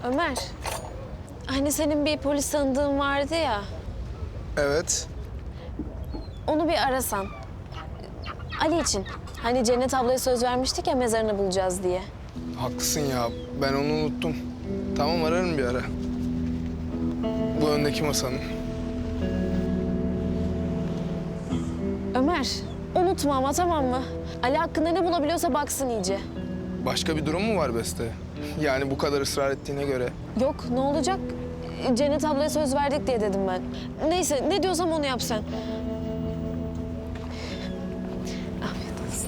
Ömer, hani senin bir polis tanıdığın vardı ya, Evet. onu bir arasan. Ali için. Hani Cennet ablaya söz vermiştik ya mezarını bulacağız diye. Haklısın ya. Ben onu unuttum. Tamam, ararım bir ara. Bu öndeki masanın. Ömer, unutma ama tamam mı? Ali hakkında ne bulabiliyorsa baksın iyice. Başka bir durum mu var Beste? Yani bu kadar ısrar ettiğine göre. Yok, ne olacak? Cennet ablaya söz verdik diye dedim ben. Neyse, ne diyorsam onu yap sen. Afiyet olsun.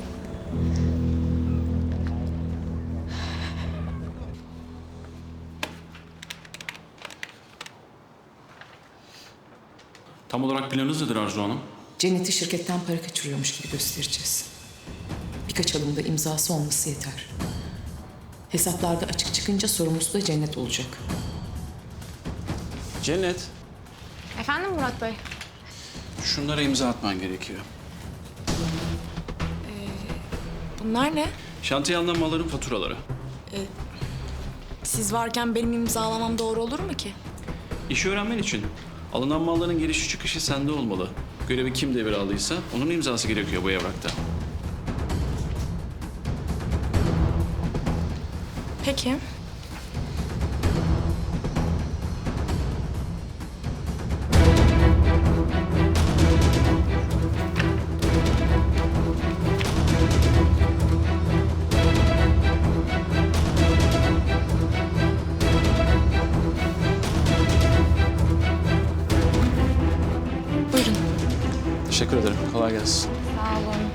Tam olarak planınız nedir Arzu Hanım? Cennet'i şirketten para kaçırıyormuş gibi göstereceğiz. Birkaç alımda imzası olması yeter. Hesaplarda açık çıkınca sorumlusu da Cennet olacak. Cennet, Efendim Murat Bey? şunlara imza atman gerekiyor. Bunlar ne? Şantiye alınan malların faturaları. Siz varken benim imzalamam doğru olur mu ki? İşi öğrenmen için alınan malların girişi çıkışı sende olmalı. Görevi kim devraldıysa onun imzası gerekiyor bu evrakta. Peki. Buyurun. Teşekkür ederim. Kolay gelsin. Sağ olun.